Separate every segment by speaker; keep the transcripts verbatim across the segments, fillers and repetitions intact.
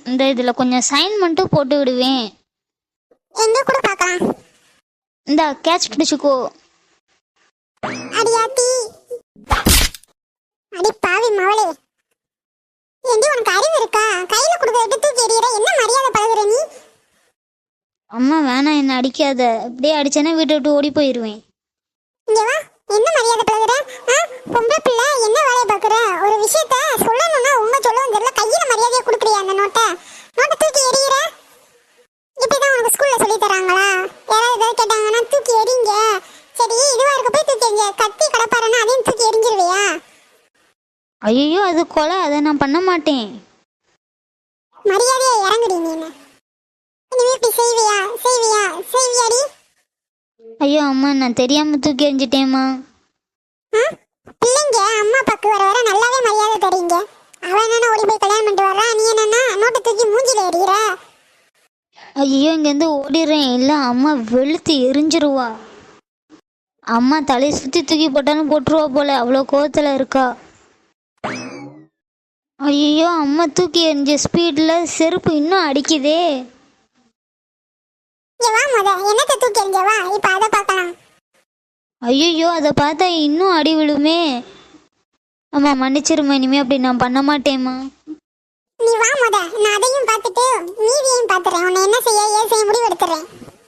Speaker 1: இந்த இதுல கொஞ்சம் சைன் மட்டும் போட்டு விடுவேன்.
Speaker 2: எங்க கூட பார்க்கலாம்.
Speaker 1: இந்த கேட்ச் பிடிச்சுக்கோ.
Speaker 2: அடியாத்தி அடி பாவி மவளே, ஏண்டி உனக்கு அறிவு இருக்கா? கையில கொடுக்கறத தூக்கி எறியற, என்ன மரியாதை பழகுற நீ?
Speaker 1: அம்மா வேணாம், என்ன அடிக்காத. அப்படியே அடிச்சேன்னா வீட்டை விட்டு ஓடி போயிடுவேன்.
Speaker 2: இங்க வா, என்ன மரியாதை பழகுற? பொம்பளை பிள்ளை என்ன வேலையை பார்க்குற? ஒரு விஷயத்த சொல்லணும்னா உங்க சொல்லவும் தெரியல, கையில மரியாதையை கொடுக்குறியா? அந்த நோட்டை நோட்டை தூக்கி எறிகிற. இப்படிதான் உனக்கு ஸ்கூல்ல சொல்லி தராங்களா? யாராவது ஏதாவது கேட்டாங்கன்னா தூக்கி எறிங்க. சரி, இதுவா இருக்க போய் தூக்கி எறிங்க. கத்தி கடப்பாருன்னா அதையும் தூக்கி எறிஞ்சிருவியா?
Speaker 1: ஐயோ, அது கொலை, அதை நான் பண்ண மாட்டேன்.
Speaker 2: மரியாதையை இறங்குடி நீ. என்ன இனிமே இப்படி செய்வியா? செய்வியா? செய்வியாடி?
Speaker 1: ஐயோ அம்மா, நான் தெரியாம தூக்கி எறிஞ்சிட்டேம்மா.
Speaker 2: பிள்ளைங்க அம்மா அப்பாக்கு வர வர நல்லாவே மரியாதை தரீங்க. அவன் என்னன்னா ஓடி போய் கல்யாணம் பண்ணிட்டு வர்றா, நீ என்னன்னா நோட்டை தூக்கி மூஞ்சில எறிகிற.
Speaker 1: ஐயோ, இங்கேருந்து ஓடிடுறேன். இல்லை, அம்மா வெளுத்து எரிஞ்சிருவா. அம்மா தலையை சுற்றி தூக்கி போட்டாலும் போட்டுருவா போல, அவ்வளோ கோவத்தில் இருக்கா. ஐயோ, அம்மா தூக்கி எறிஞ்ச ஸ்பீடில் செருப்பு இன்னும் அடிக்குதே.
Speaker 2: வா முத, என்னத்தை தூக்கி எறிஞ்ச வா, இப்போ அதை பார்க்கலாம்.
Speaker 1: ஐயோ, அதை பார்த்தா இன்னும் அடி விழுமே. அம்மா மன்னிச்சிருமா, இனிமே அப்படி நான் பண்ண மாட்டேம்மா.
Speaker 2: நீ வா முத, நான் அதையும் பார்த்துட்டு மீதியையும் பார்த்துறேன். உன்னை என்ன செய்ய ஏன் செய்ய முடிவு எடுத்துறேன்.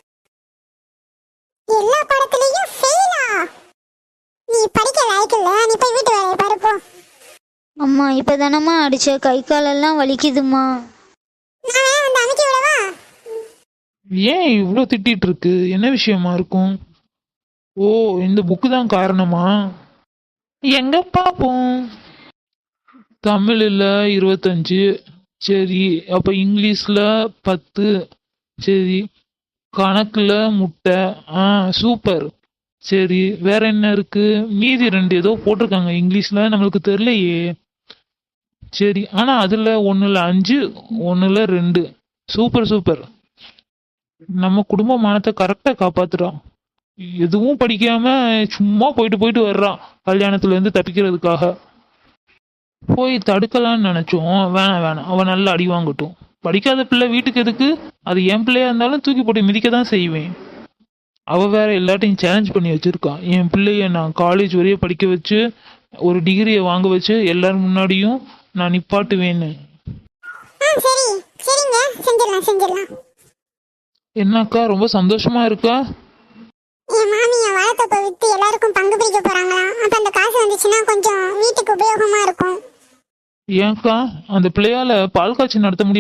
Speaker 2: எல்லா பாடத்திலையும் ஃபெயிலா? நீ படிக்க லாய்க்கில்ல, நீ போய் வீட்டு வேலையை பாரு போ.
Speaker 1: அம்மா இப்போ தானம்மா அடிச்ச, கை காலெல்லாம் வலிக்குதுமா.
Speaker 2: நான் வந்து அமைக்க விடவா?
Speaker 3: ஏன் இவ்வளோ திட்டிட்டு இருக்கு? என்ன விஷயமா இருக்கும்? ஓ, இந்த புக்கு தான் காரணமா? எங்க பார்ப்போம். தமிழில் இருபத்தஞ்சு, சரி. அப்போ இங்கிலீஷில் பத்து, சரி. கணக்கில் முட்டை, ஆ சூப்பர். சரி, வேற என்ன இருக்கு? மீதி ரெண்டு ஏதோ போட்டிருக்காங்க இங்கிலீஷில், நம்மளுக்கு தெரியலையே. சரி, ஆனால் அதில் ஒன்றில் அஞ்சு, ஒன்றில் ரெண்டு. Super super. நம்ம குடும்ப மானத்தை கரெக்டாக காப்பாத்துறான். எதுவும் படிக்காம சும்மா போயிட்டு போயிட்டு வர்றான் கல்யாணத்துல இருந்து தப்பிக்கிறதுக்காக. போய் தடுக்கலான்னு நினைச்சோம், வேணாம் வேணாம், அவன் நல்லா அடி வாங்கட்டும். படிக்காத பிள்ளை வீட்டுக்கு எதுக்கு? அது என் பிள்ளையா இருந்தாலும் தூக்கி போட்டு மிதிக்க தான் செய்வேன். அவ வேற எல்லாத்தையும் சேலஞ்ச் பண்ணி வச்சிருக்கான். என் பிள்ளைய நான் காலேஜ் வரைய படிக்க வச்சு ஒரு டிகிரியை வாங்க வச்சு எல்லாரும் முன்னாடியும் நான் நிப்பாட்டுவேன்னு.
Speaker 2: சரி சரிங்க, செஞ்சிடலாம் செஞ்சிடலாம்.
Speaker 3: என்னக்கா ரொம்ப சந்தோஷமா இருக்கா?
Speaker 2: என் மாமி என் வாழைத்தப்பை வித்து எல்லாருக்கும் பங்கு பிரிக்க போறாங்களாம். அப்ப அந்த காசு வந்துச்சுன்னா கொஞ்சம் வீட்டுக்கு உபயோகமா இருக்கும்.
Speaker 3: ஏன்க்கா, அந்த பிள்ளையால பால் காய்ச்சி நடத்த முடியும்?